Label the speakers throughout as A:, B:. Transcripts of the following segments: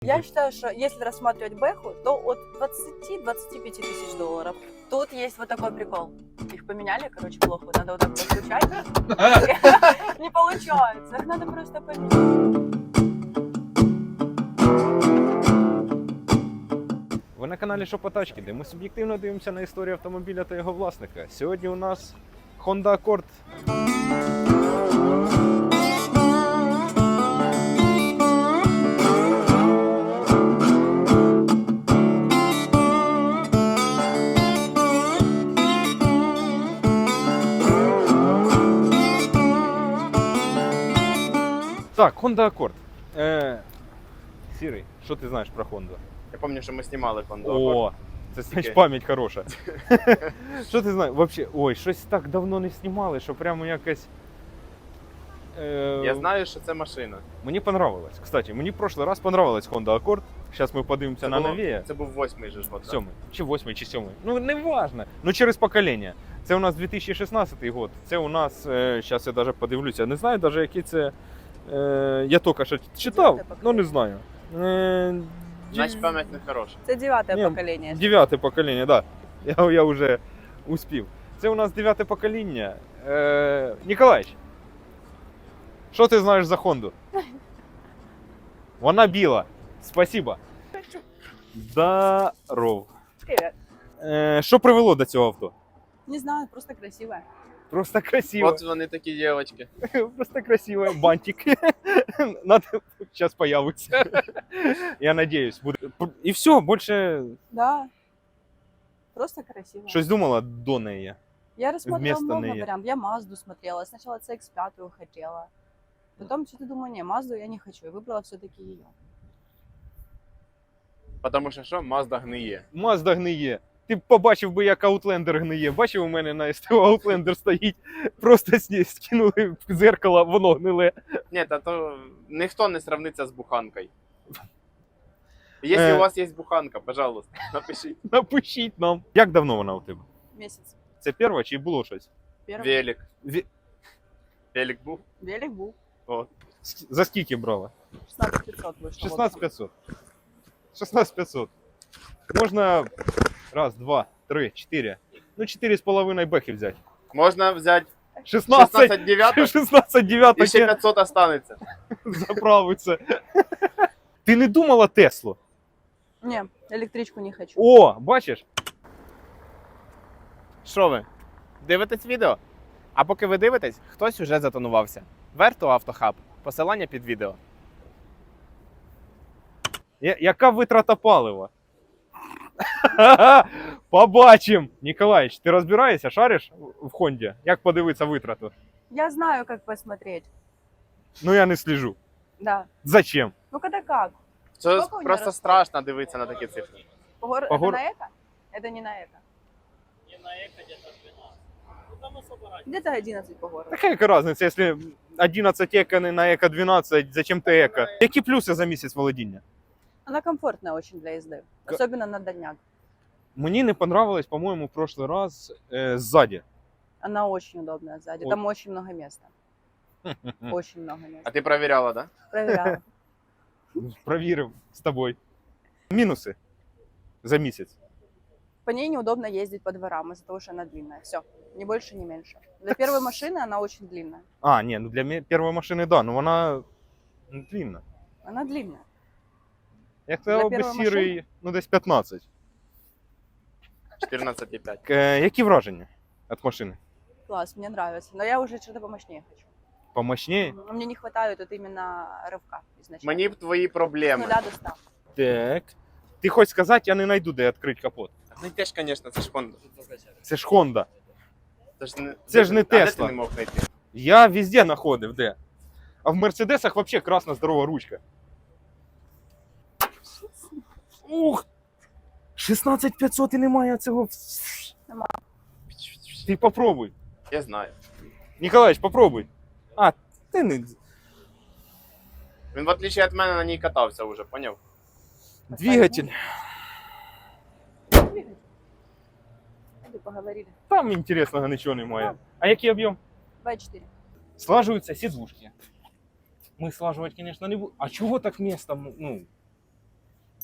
A: Я считаю, что если рассматривать бэху, то от 20-25 тысяч долларов. Тут есть вот такой прикол. Их поменяли, короче, плохо. Надо вот так подключать. Не получается. Их надо просто поменять.
B: Ви на каналі Шопотачки, де ми суб'єктивно дивимося на історію автомобіля та його власника. Сьогодні у нас Honda Accord. Так, Honda Accord. Сірий, що ти знаєш про Honda?
C: Я пам'ятаю, що ми знімали Honda Accord.
B: О, це значить пам'ять хороша. Що ти знаєш? Вообще, ой, щось так давно не знімали, що прямо якось...
C: Я знаю, що це машина.
B: Мені понравилось. Кстати, мені в прошлый раз понравилась Honda Accord. Зараз ми подивимося на нові.
C: Це був 8-й же ж год.
B: 7-й, чи 8-й, чи 7-й. Ну, не важно. Ну, через покоління. Це у нас 2016 год. Це у нас, зараз я навіть подивлюся, не знаю навіть, який це... Я тільки що читав, ну не знаю.
C: Значить, пам'ять не хороша.
A: Це 9-е
B: Ні,
A: покоління.
B: 9-те покоління, так. Да. Я вже успів. Це у нас 9-те покоління. Ніколаїч, що ти знаєш за Хонду? Вона біла. Спасибо. Здоров.
A: Привет.
B: Що привело до цього авто?
A: Не знаю, просто красивая.
B: Просто красиво.
C: От вони такі дівчатки.
B: Просто красиво. Бантик. Надо сейчас появится. Я надеюсь. Буде. І все, більше
A: Да. Просто красиво.
B: щось думала до неї.
A: Я рассмотрела
B: вместо
A: много
B: неї.
A: вариантов. Я Мазду смотрела. Сначала CX-5 хотела. Потом что-то думаю, не, Мазду я не хочу. И выбрала все-таки ее.
C: Тому що Mazda гниє.
B: Mazda гниє. Ти б побачив би, як Outlander гниє. Бачив, у мене на СТО Outlander стоїть. Просто скинули в зеркало, воно гниле.
C: Ні, та то ніхто не сравниться з буханкою. Якщо у вас є буханка, пожалуйста, напишіть.
B: Напишіть нам. Як давно вона у тебе?
A: Месяц.
B: Це перша чи було щось?
A: Первый.
C: Велик. Велик був?
A: Велик был.
C: О.
B: За скільки брала?
A: 16500 вышло.
B: 16500. 16500. Можна раз, два, три, чотири. Ну, 4,5 бехи взяти.
C: Можна взяти
B: 16
C: 16 9
B: 16 9
C: і ще 500 останеться.
B: заправиться. Ти не думала Теслу?
A: Не, электричку не хочу.
B: О, бачиш?
C: Що ви? Дивитесь відео? А поки ви дивитесь, хтось уже затонувався. Верто Автохаб. Посилання під відео.
B: Яка витрата палива? Побачим! Ніколаїч, ти розбираєшся, шариш в Хонді? Як подивитися витрату?
A: Я знаю, как посмотреть.
B: Ну я не слежу.
A: Да.
B: Зачем?
A: Ну когда как?
C: Це
A: Скільки у нього
C: просто
A: розходів?
C: страшно дивитися на такі цифри.
A: Это на эко? Это не на эко.
D: Не на эко где-то 12. Ну там особо разница.
A: Где-то 11 по городу.
B: Така яка різниця, якщо 11 еко не на еко 12, зачем ти еко? Які плюси за місяць володіння?
A: Она комфортная очень для езды. Особенно на дальняк.
B: Мені не понравилось, по-моєму, в прошлый раз сзади.
A: Она очень удобная сзади.
B: Вот.
A: Там очень много места. Очень много
C: А
A: места.
C: ти перевіряла, так? Да?
A: Проверяла.
B: Провірив з тобою. Мінуси за місяць.
A: По ней неудобно ездить по дворам из-за того, что она длинная. Все. Ни больше, ни меньше. Для первой машины она очень длинная.
B: А, ні, ну для першої машини, да, ну вона длинна.
A: Она длинная.
B: Як
A: Для
B: сказав би
A: першої
B: сірий, ну десь 15.
C: 14,5.
B: Які враження від машини?
A: Класс, мне нравится. Но я уже что-то помощнее хочу.
B: Помощніше?
A: Но мне не хватает вот именно рывка изначально.
C: Мені б твої
A: С
C: проблеми.
A: 0 до 100.
B: Так. Ти хочеш сказати, я не знайду, де відкрити капот.
C: Ну теж, звісно, це ж Honda.
B: Це ж Honda.
C: Це ж не
B: не
C: А де
B: Tesla.
C: ти не мог знайти?
B: Я везде знаходив, де. А в Мерседесах взагалі красна здорова ручка. Ух! 16500 і немає цього.
A: Нема.
B: Ти попробуй.
C: Я знаю.
B: Ніколаїч, попробуй. А, ти не...
C: Він, в отличие від мене, на ній катався вже, поняв?
B: Двигатель.
A: Двигатель. Поговорили.
B: Там інтересного нічого немає. А який об'єм?
A: 2,4.
B: Слаживаются сидушки. Мы слаживать, конечно, не будем. А чего так место? Ну,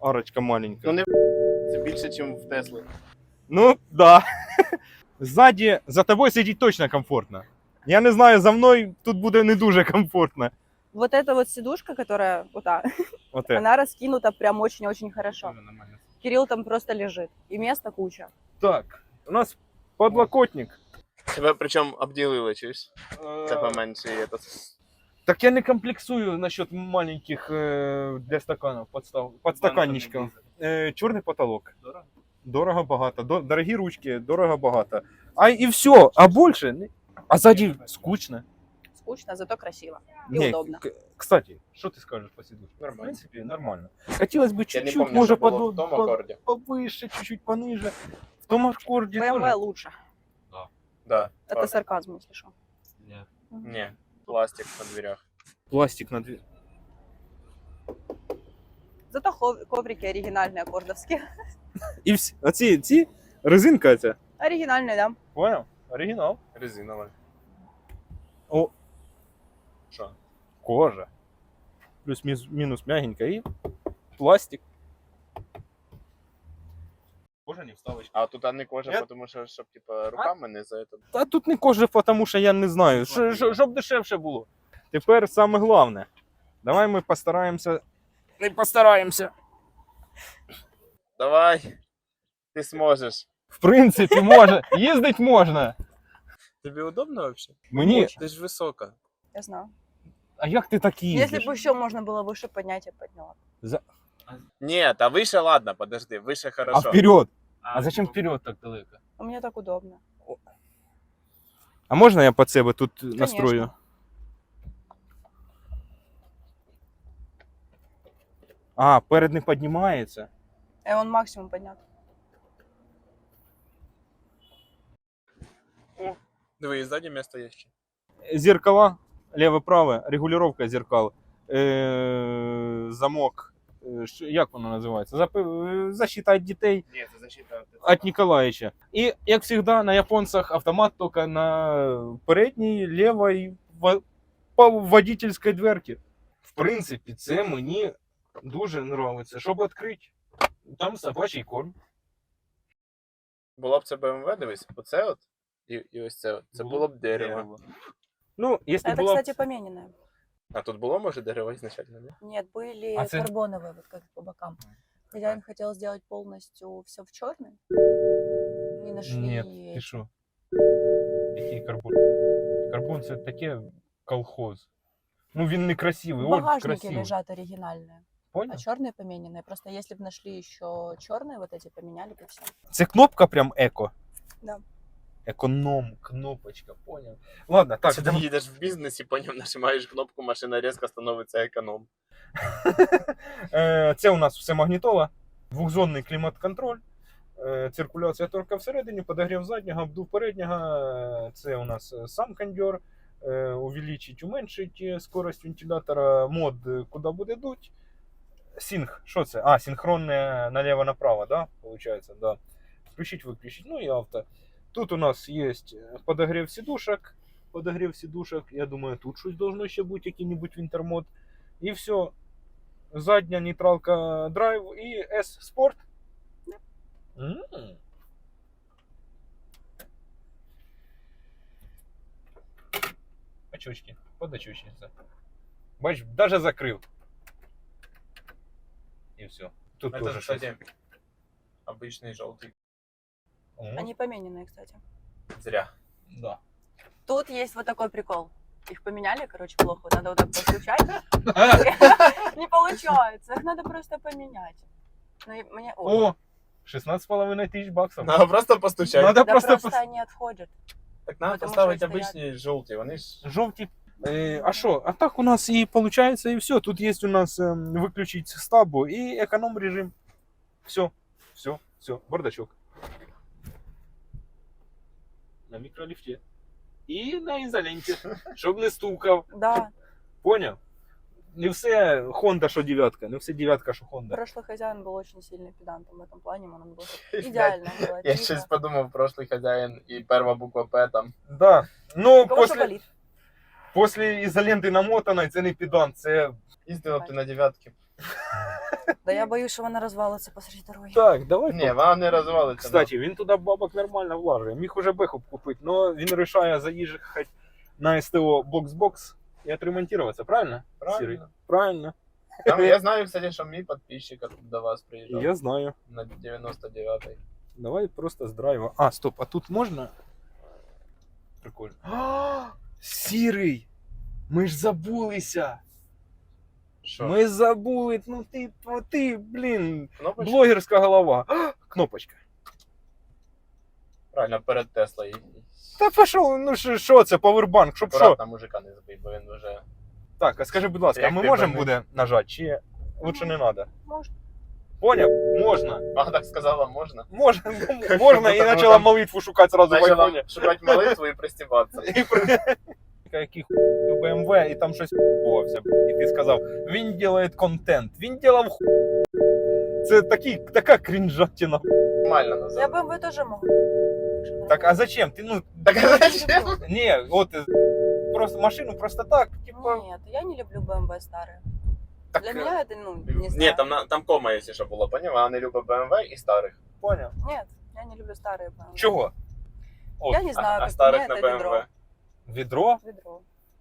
B: Арочка маленька.
C: Ну не це більше, ніж в Тесли.
B: Ну, да. Ззаді, за тобою сидіть точно комфортно. Я не знаю, за мною тут буде не дуже комфортно.
A: Вот эта вот сидушка, которая вот та,
B: Оте.
A: она раскинута прям очень-очень хорошо. Кирилл там просто лежит. И места куча.
B: Так, у нас подлокотник.
C: Тебе причому обділили, чуєш? Це поменше є.
B: Так я не комплексую насчет маленьких для стаканов, подстаканничков. Чорний потолок. Дорого багато. Дорогі ручки, дорого багато. А і все, а більше. А ззаді скучно.
A: Скучно, зато красиво. И удобно.
B: Кстати, що ти скажеш по сидушке? В
C: Нормально.
B: принципі, нормально. Хотілося б
C: Я не
B: чуть-чуть,
C: пам'ятаю,
B: може,
C: що було в тому акорді.
B: повище, чуть-чуть пониже. В тому акорді
A: BMW
B: теж.
A: лучше.
C: Да.
A: Это сарказм, если что.
C: Ні. Пластик на дверях.
B: Пластик на дві.
A: Зато коврики оригинальные, аккордовские.
B: І всі. А ці резинка ця.
A: Оригинальные, да.
B: Понял? Оригінал.
C: Резинова.
B: О,
C: Що?
B: кожа. Плюс-мінус мягенька і пластик. Кожа не вставочка.
C: А тут не кожа,
B: Нет?
C: тому що, щоб типа руками не за это.
B: Та тут не кожа, тому що я не знаю. Щоб дешевше було. Тепер саме головне. Давай ми постараємося. Не постараємося.
C: Давай. Ти зможеш.
B: В принципі, може. Їздить можна.
C: Тобі удобно вообще?
B: Мені.
C: Ти ж висока.
A: Я знаю.
B: А як ти так їздиш?
A: Если бы еще можно было выше поднять, я подняла.
C: Ні, та вище ладно, подожди, вище
B: А
C: хорошо.
B: вперед. А зачем вперед так далеко?
A: А мне так удобно.
B: А можна я під себе тут настрою? А, перед не піднімається.
A: И он максимум поднят.
C: Диви, і ззаді місто є ще.
B: Зеркала, леве-праве, регулировка зеркал, замок, як воно називається? Защита від дітей
C: Ні, це защита.
B: від Ніколаєвича. І, як завжди, на японцях автомат тільки на передній, лівій, по водительській дверці. В принципі, це мені дуже подобається. Щоб відкрити, там собачий корм.
C: Було б це BMW, дивись, оце от, і ось це от. Це було б дерево.
B: Ну, якщо
A: Это,
B: було б...
A: кстати, помененное.
C: А тут було, може, дерево ізначально, ні?
A: Нет, были
B: А це-
A: карбоновые, вот как по бокам. Хозяин хотел сделать полностью все в черный. Не нашли.
B: Ні, ти що? Який карбон? Карбон це таке колхоз. Ну він не красивий,
A: В
B: от
A: багажнике
B: красивий.
A: лежат оригинальные,
B: Понял?
A: а черные помененные. Просто если бы нашли еще черные, вот эти поменяли бы все.
B: Це кнопка прям еко.
A: Да.
B: Економ, кнопочка, понял. Ладно, так.
C: Чи ти їдеш в бізнесі, потім нажимаєш кнопку, машина різко становиться економ.
B: Це у нас все магнітола, двохзонний клімат-контроль, циркуляція торка всередині, подогрів заднього, обдув переднього. Це у нас сам кондьор, увеличить, уменьшить скорость вентилятора, мод, куди буде дуть. Синх, що це? А, синхронне налево-направо, да? Получается, да. Включить, выключить, ну и авто. Тут у нас есть подогрев сидушек. Подогрев сидушек, я думаю, тут щось должно ще бути, який-нибудь вінтермод. І все. Задня нейтралка драйв і S Sport. Очочки, подочучниця. Бач, даже закрив. І все. Тут
C: Це,
B: тоже
C: кстати, обичний жовтий.
A: Они помененные, кстати.
C: Зря.
B: Да.
A: Тут есть вот такой прикол. Их поменяли, короче, плохо. Надо вот так подключать. Не получается. Их надо просто поменять. Ну, и мне...
B: О, 16,5 тисяч баксів.
C: Надо просто постучати.
B: Надо
A: Да
B: просто
A: просто они отходят.
C: Так надо
A: Потому
C: поставити
A: що стоять.
C: обичні жовті, вони ж...
B: Жовті. А що? А так у нас і виходить, і все. Тут є у нас виключить стабу і економ режим. Все, все, бардачок. На мікроліфті. І на ізоленті, щоб не стукав.
A: Да.
B: Поняв? Не все Honda, що дев'ятка, не все дев'ятка, що Honda.
A: Прошлый хозяин был очень сильный педантом в этом плане. Он был идеально. было
C: Я
A: видно.
C: щось подумав, прошлий хазяїн і перша буква П там.
B: Да. Ну,
A: У кого что болит?
B: після ізоленти намотаної, це не педант, це
C: Їздила б ти на дев'ятки.
A: Да я боюсь, що вона розвалиться посеред дороги.
B: Так, давай.
C: Ні, вона не розвалиться.
B: Кстати, він туди бабок нормально влажує. Міг уже беху купити, але він вирішує заїжджати на СТО бокс-бокс і отремонтуватися, правильно?
C: Правильно.
B: Сірий? Правильно.
C: Там, я знаю, кстати, що мій підписчик до вас приїжджав.
B: Я знаю.
C: На 99-й.
B: Давай просто з драйва. А, стоп, а тут можна? Прикольно. А, сірий! Ми ж забулися!
C: Що?
B: Ми забули, ну ти, блін,
C: Кнопочка?
B: блогерська голова. А, кнопочка.
C: Правильно, перед Теслою.
B: Та пішов, ну що це, павербанк, щоб що?
C: Акуратно мужика не збий, бо він вже...
B: Так, а скажи, будь ласка, а
C: Як
B: ми
C: ти
B: можемо
C: больний?
B: буде нажати, чи лучше не треба?
A: Можна.
B: Поняв? Можна.
C: А, так сказала, можна?
B: Можна, можна, і почала молитву шукати сразу в
C: Начала
B: айфоні.
C: шукати молитву і пристібатися.
B: Який у BMW, і там щось хуйовався. І ти сказав, він робить контент, він робив ху... Це така крінжатіна.
C: Нормально
A: Я
C: назад.
A: BMW теж можу.
B: Так, а зачем? Ти, ну,
C: Так а зачем?
B: ні, от, просто машину просто так, типа...
A: Нет, я не люблю BMW старые.
C: Так,
A: Для меня это, не знаю.
C: Ні, там кома, якщо що було, поняв? Вона не любить BMW і старих.
B: Поняв.
A: Нет, я не люблю старые BMW.
B: Чого? От,
A: Я не знаю,
C: А
A: как
C: старих
A: мне
C: на
A: это
C: BMW?
A: ведро.
B: відро?
A: Ведро.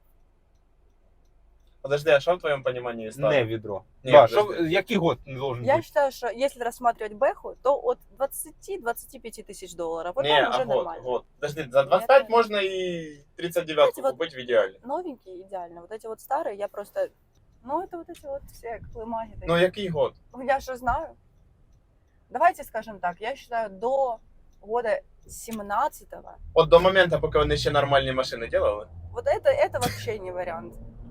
C: Подожди, а що в твоєму розумінні
B: Не
C: старих?
B: відро.
C: Ні,
B: Да,
C: подожди.
B: що, який год не должен
A: Я
B: бути?
A: считаю, что если рассматривать Бэху, то от 20-25 тысяч долларов. Вот
C: Ні,
A: там
C: а
A: уже
C: год,
A: нормально.
C: год. Подожди, за 25
A: Нет.
C: можна і 39
A: Знаете, вот-
C: купити в ідеалі.
A: Новенькие идеально. Вот эти вот старые я просто... Ну, это вот эти вот все клымаги. такие.
C: Ну який год?
A: Ну, я же знаю. Давайте скажем так, я считаю, до года 17-го,
C: От до моменту, поки вони ще нормальні машини делали.
A: вот это вообще не вариант.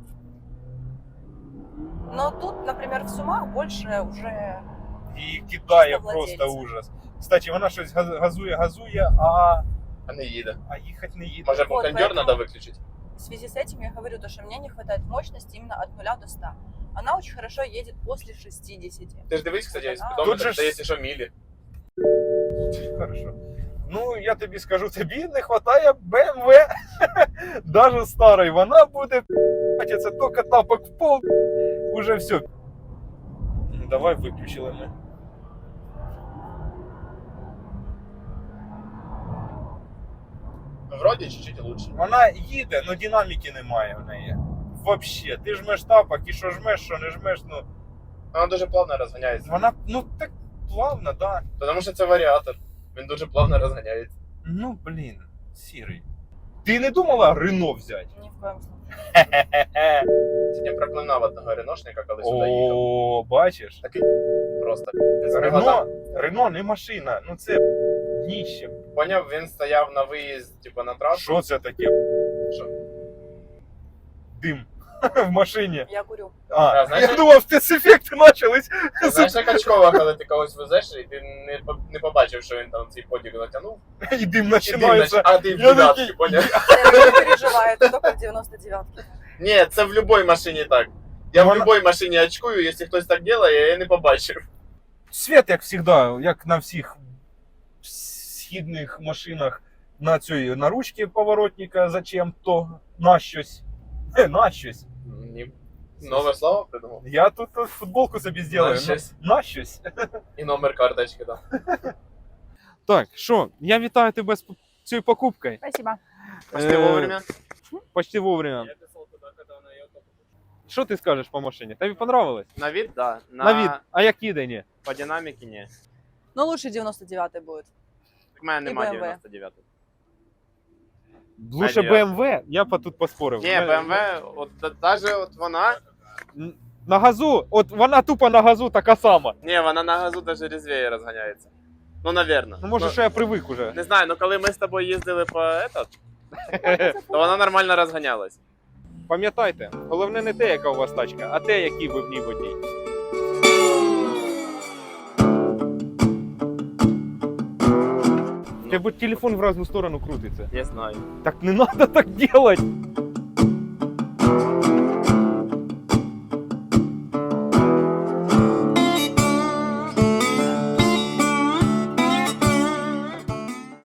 A: Но тут, например, в Сумах больше уже...
B: І кидає
A: Чисто
B: просто
A: владельця.
B: ужас. Кстати, вона щось газує,
C: А не їде.
B: а їхати не їде.
C: Може,
A: Вот,
C: кондьор
A: поэтому-
C: треба виключити?
A: В связи с этим я говорю, то, что мне не хватает мощности именно от 0 до 100. Она очень хорошо едет после 60.
C: Ти ж дивись, кстати,
A: Тут
C: спідометр,
B: же ж-
C: це якщо що мілі.
B: Хорошо. Ну, я тобі скажу, тобі не вистачає BMW. Даже старої. Вона буде це тільки тапок в пол. Уже все. Давай виключили ми.
C: Вроді чуть-чуть лучше.
B: Вона їде, але динаміки немає в неї. Вообще, ти жмеш тапок і що жмеш, що не жмеш, ну.
C: Вона дуже плавно розганяється.
B: Вона, ну так плавно, да.
C: Тому що це варіатор. Він дуже плавно розганяється.
B: Ну, блін, сірий. Ти не думала Рено взяти?
A: Ни в коем случае.
C: Сьогодні проклинав одного реношника, коли сюди їхав.
B: О, бачиш?
C: Просто.
B: Рено не машина, ну це дніще.
C: Поняв, він стояв на виїзд, типу, на трасу.
B: Що це таке?
C: Що?
B: Дим в машині.
A: Я курю.
B: А,
C: знаєш,
B: я думав, спецефекти почались.
C: Знаєш, як очкова, коли ти когось везеш, і ти не побачив, що він там цей подіг натягнув,
B: І дим
C: і
B: починається.
C: а ти в
B: Я
C: додатки,
B: такий-
C: поняв?
A: Я не переживаю, это только в 99-ке.
C: Ні, це в будь-якій машині так. Я в
B: Вона-
C: будь-якій машині очкую, якщо хтось так робить, я не побачив.
B: Світ, як завжди, як на всіх східних машинах, на ручці поворотника зачем-то, на щось. На щось.
C: Ні. Нове слово придумав.
B: Я тут футболку собі зроблю.
C: На щось.
B: На щось.
C: І номер карточки, так.
B: Так, що, я вітаю тебе з цією покупкою.
A: Спасибо.
C: Почти вовремя.
B: Почти вовремя.
D: Я писал туда, когда она ехала.
B: Що ти скажеш по машині? Тобі понравилось?
C: На вид, да.
B: На від. А як їде, ні?
C: По динаміки, ні.
A: Но лучше 99-й будет.
C: Так в мене
A: І
C: немає
A: BMW.
C: 99.
B: Лучше
C: Ні.
B: BMW, я б тут поспорив.
C: Ні, BMW, от навіть от вона,
B: На газу, от вона тупо на газу така сама.
C: ні, вона на газу навіть різвіє розганяється. Ну, навірно.
B: Ну, може, що я привик уже.
C: Не знаю, ну коли ми з тобою їздили по этот, то вона нормально розганялась.
B: Пам'ятайте, головне не те, яка у вас тачка, а те, який ви в ній водій. Тебе телефон в разну сторону крутиться.
C: Я знаю.
B: Так не треба так делать.